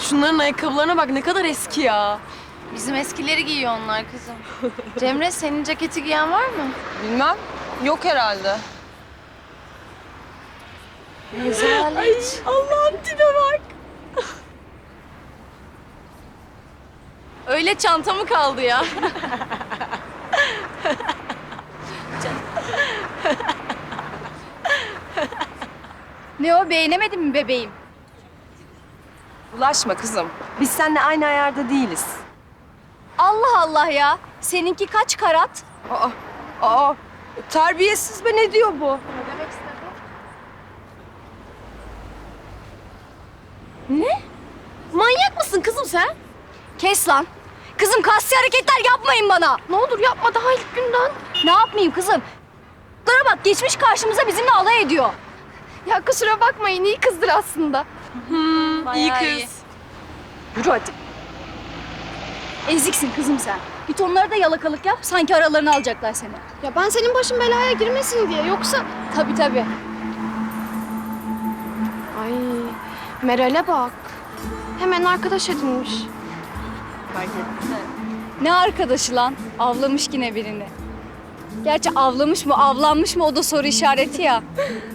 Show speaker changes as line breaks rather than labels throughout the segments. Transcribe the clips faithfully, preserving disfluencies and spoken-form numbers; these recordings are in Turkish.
Şunların ayakkabılarına bak, ne kadar eski ya.
Bizim eskileri giyiyor onlar kızım. Cemre, senin ceketi giyen var mı?
Bilmem. Yok herhalde.
Rezalet.
Allah'ım tipe bak.
Öyle çanta mı kaldı ya? Ne o, beğenemedin mi bebeğim?
Bulaşma kızım. Biz seninle aynı ayarda değiliz.
Allah Allah ya. Seninki kaç karat?
Aa, aa. Terbiyesiz be, ne diyor bu?
Ne demek istedin? Ne? Manyak mısın kızım sen? Kes lan. Kızım, kasti hareketler yapmayın bana. Ne olur yapma, daha ilk günden. Ne yapmayayım kızım? Lara bak, geçmiş karşımıza bizimle alay ediyor. Ya kusura bakmayın, iyi kızdır aslında.
Hmm, iyi
Bayağı
kız.
iyi. Yürü hadi. Eziksin kızım sen. Git onlara da yalakalık yap, sanki aralarını alacaklar seni.
Ya ben senin başın belaya girmesin diye, yoksa...
Tabii tabii.
Ay, Meral'e bak. Hemen arkadaş edinmiş.
Fark ettin mi? Ne arkadaşı lan? Avlamış yine birini. Gerçi avlamış mı, avlanmış mı o da soru işareti ya.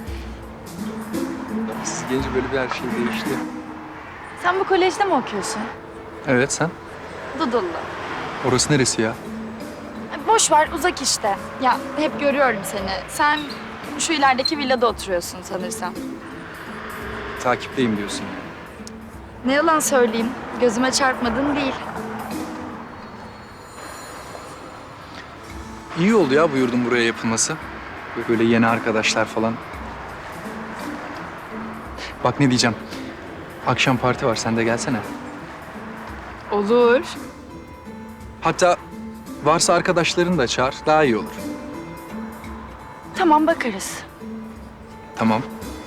Siz gelince böyle bir her şey değişti.
Sen bu kolejde mi okuyorsun?
Evet, sen?
Dudullu.
Orası neresi ya?
Boş ver, uzak işte. Ya hep görüyorum seni. Sen şu ilerideki villada oturuyorsun sanırsam.
Takipteyim diyorsun.
Ne yalan söyleyeyim, gözüme çarpmadın değil.
İyi oldu ya bu yurdun buraya yapılması. Böyle yeni arkadaşlar falan. Bak ne diyeceğim. Akşam parti var, sen de gelsene.
Olur.
Hatta varsa arkadaşlarını da çağır, daha iyi olur.
Tamam, bakarız.
Tamam.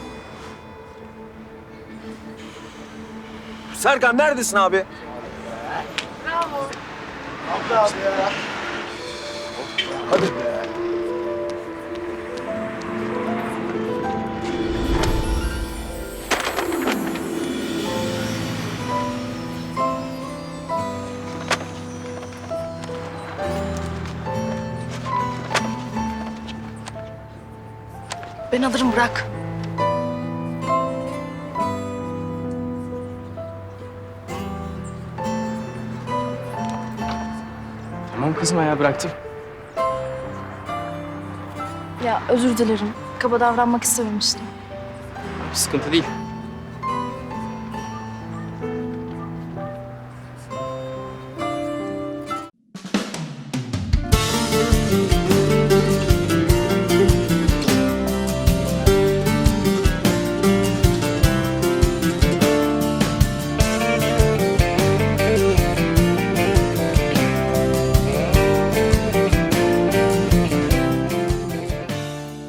Serkan neredesin abi?
Ben alırım, bırak.
Tamam kızım ya, bıraktım.
Ya özür dilerim. Kaba davranmak istememiştim.
Sıkıntı değil.